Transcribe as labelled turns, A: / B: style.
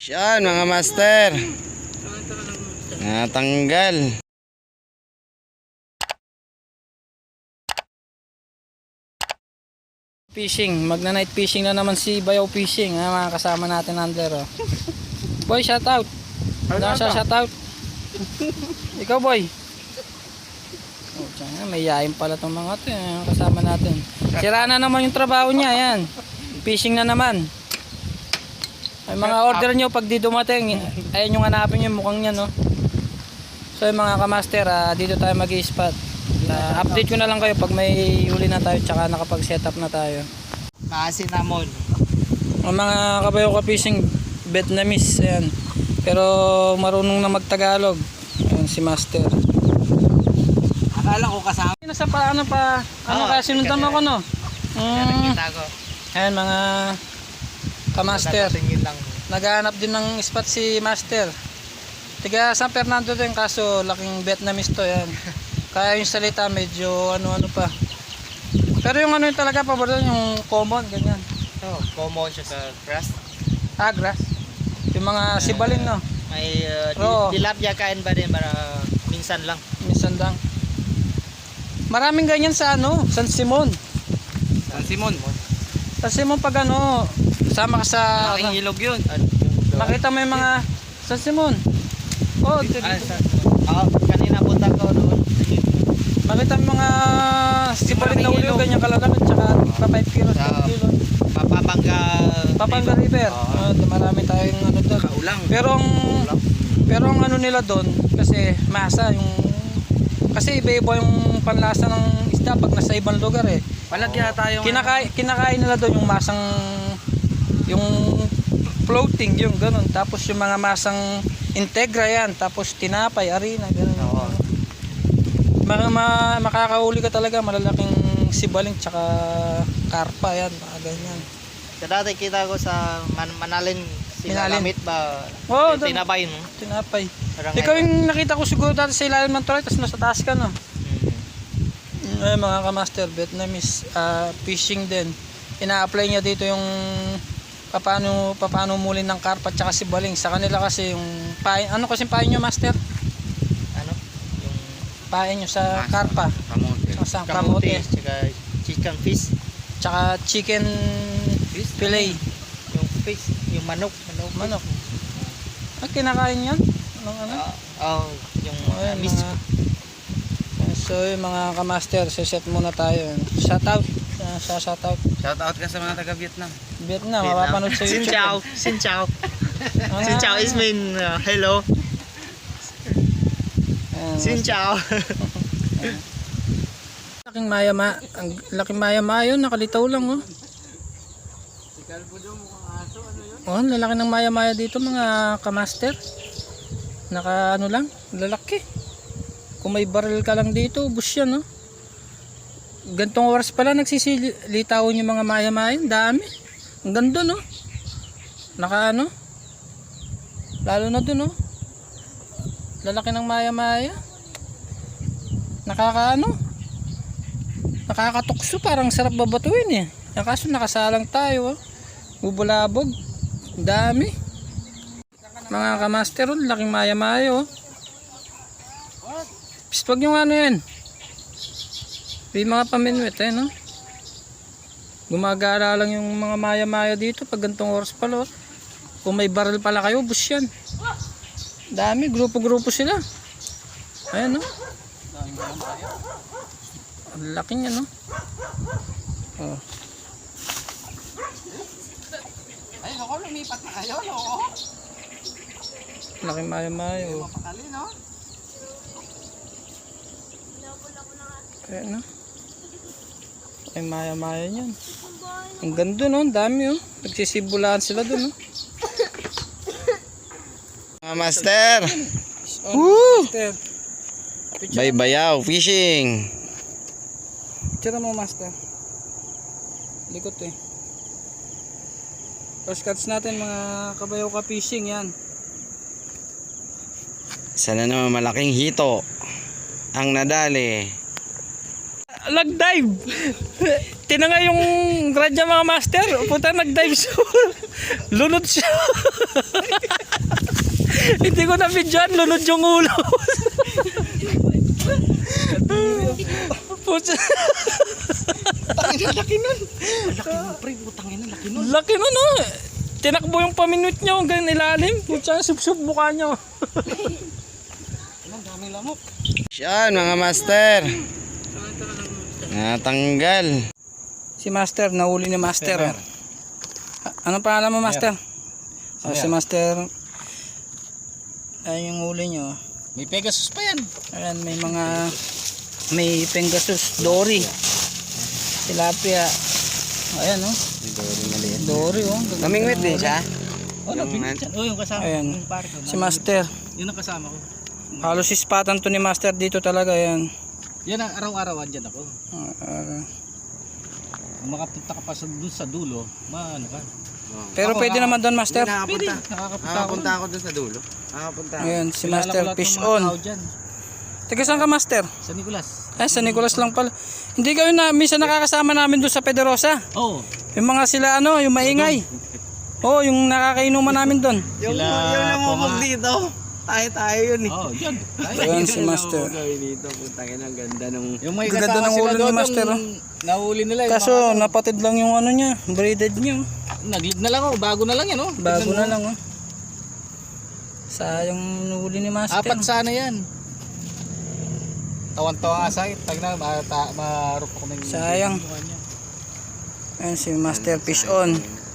A: Yan mga master. Natanggal.
B: Fishing, magna-night fishing na naman si Bayaw Fishing, mga kasama natin under. Oh. Boy, shout out. Shout out. Ikaw boy. Oh, tiyan, may yain pala tong mga to, kasama natin. Sira na naman yung trabaho niya, yan. Fishing na naman. Ay mga order nyo pag di dumating, ayun yung hanapin yung mukhang niya, no. So yung mga kamaster, dito tayo mag-i-spot. Update ko na lang kayo pag may huli na tayo tsaka nakapag setup na tayo.
C: Cinnamon.
B: Ang mga kabayo ka fishing Vietnamese, ayan. Pero marunong na magtagalog. Ayan si master.
C: Akala ko kasama.
B: Nasa pa ano pa, ano ka sinundan mo ko, no?
C: Nakita ko.
B: Ayan mga kamaster.
C: Tingin lang.
B: Naghahanap din ng spot si master. Tiga San Fernando din, kaso laking Vietnamese to, yan. Kaya yung salita medyo ano-ano pa. Pero yung ano yung talaga paborito yung common, ganyan.
C: Oh, common siya sa grass.
B: Grass. Yung mga sibalin, no?
C: May tilapia kain ba din para minsan lang.
B: Minsan lang. Maraming ganyan sa ano, San Simon.
C: San Simon.
B: San Simon pag ano, sama ka sa
C: Malaking ilog yun.
B: makita mo yung mga San Simon. Oh, dito.
C: Kanina punta ko doon.
B: Makita mo mga sibalin na uli, ganyan kalalaki, tsaka pa 5 kilos, 10 kilos. Papanga River. Marami tayong ano doon.
C: Kaulang.
B: Pero ang ano nila doon, kasi masa yung, kasi iba-iba yung panlasa ng isda pag nasa ibang lugar eh.
C: Palagya tayo.
B: Kinakain nila doon yung masang, yung floating, yung ganun. Tapos yung mga masang integra yan, tapos tinapay, harina, ganun. Makakahuli ka talaga malalaking sibaling tsaka karpa, yan, mga ganyan.
C: Sa dati kita ko sa Manalin, sinagamit ba?
B: Oh,
C: tinapay, no?
B: Tinapay.
C: Parang
B: Ikaw yung nakita ko siguro dati sa ilalim ng tulay, tapos nasa taas ka, no? Ay, mga kamaster, Vietnamese fishing din. Ina-apply niya dito yung paano muli ng karpa tsaka sibaling. Sa kanila kasi yung pain, ano kasi pain nyo, master?
C: Ano? Yung
B: Pain nyo sa karpa.
C: kamote, tsaka chicken fish.
B: Tsaka chicken fillet.
C: Yung fish, yung manok.
B: Kinakain yan? Anong ano?
C: Yung
B: Ayan,
C: miss.
B: So yung mga kamaster, set muna tayo. Shoutout. Shoutout.
A: Shout out ka sa mga taga Vietnam.
B: Vietnam, mapapanood sa YouTube.
C: Xin chào. Xin chào is mean hello. Xin chào.
B: Laking maya-maya yun, nakalitaw lang, oh. Oh, lalaki ng maya-maya dito, mga kamaster. Naka ano lang, lalaki. Kung may barrel ka lang dito, ubos yan, oh. Gantong oras pala nagsisilitawon yung mga maya-maya, dami. Ang ganda, no? Naka ano? Lalo na dun, oh. Lalaki ng maya-maya. Nakakatukso, parang sarap babatuin eh. Kaso nakasalang tayo, oh. Bubulabog. Dami. Mga kamaster, oh, laking maya-maya, oh. Psst, wag yung ano yan. May mga paminwit, eh, no? Gumagala lang yung mga maya-maya dito pag gantong oras pala, oh. Kung may barrel pala kayo, bus yan. Dami, grupo-grupo sila. Ayan, no? Ang laki niya, no? Oh.
C: Ay, ako lumipat na kayo, no?
B: Laking maya-maya, oh.
C: Mapakali, no?
B: Ayan, no? Laking maya-maya niyan. Ang ganda, no? Ang dami, oh. Nagsisibulaan sila dun, no?
A: Mga master.
B: Woo!
A: Bye Bayaw Fishing.
B: Tira mo, master. Likot, eh. First cuts natin, mga kabayaw ka fishing, yan.
A: Sana naman malaking hito ang nadali.
B: Nag-dive. Tinanga yung grad niya, mga master. Punta nag-dive siya. Lunod siya. Hindi ko na videoan, lunod yung ulo. Pucha.
C: Laki nun, pre. Putang ina, laki nun.
B: Laki nun, no? Tinakbo yung paminute niya, hanggang ilalim. Pucha, sub-sub mukha niya.
C: Ang daming lamok.
A: Yan mga master. Natanggal.
B: Si Master, nahuli ni Master. Oh. Anong pangalan mo, Master? Oh, si Master. Ay, yung huli nyo.
C: May Pegasus pa yan.
B: Ayan, may Pegasus, Dory. Tilapia. Ayan, oh. Dory, oh.
A: Namingwit din siya.
C: Oh, nabingit yan. Oh, yung kasama.
B: Ayan.
C: Yung pare ko.
B: Si Master.
C: Yun ang kasama ko.
B: Halos ispatan to ni Master dito talaga, yan.
C: Yan ang araw-araw andyan ako. Kung makapunta ka pa doon sa dulo, maano ka.
B: Pero
C: Ako,
B: pwede naman doon, Master.
C: Pwede.
A: Nakakapunta ako doon sa dulo. Nakakapunta.
B: Ayan, si
C: Kilala ko
B: Master
C: lahat ng
B: Fish
C: mga
B: on.
C: tao dyan.
B: Taga saan ka, Master?
C: Sa Nicolas.
B: Ay, sa Nicolas lang pala. Hindi kayo na, minsan nakakasama namin doon sa Pederosa.
C: Oo.
B: Yung mga sila ano, yung maingay. Oo, yung nakakainuman namin doon.
A: Yung namumog dito. Tayo yun eh.
C: Oo, dyan.
B: Ayan si Master.
A: dito. Putangin ang ganda nung...
C: Yung may
B: Ganda
C: kasama
B: ng
C: sila
B: ulo ni
C: doon,
B: Master,
C: yung nahuli nila. Yung
B: Kaso napatid lang yung ano niya, braided niya.
C: nag-lead na lang ako, bago na lang yan, oh.
B: Bago
C: Tignan
B: na
C: mo.
B: lang, oh. Sayang nahuli ni Master.
C: Apat sana yan. Tawan-tawa nga sa akin. Tag na, marup ako ng...
B: Sayang. Ayan si Master Fish on.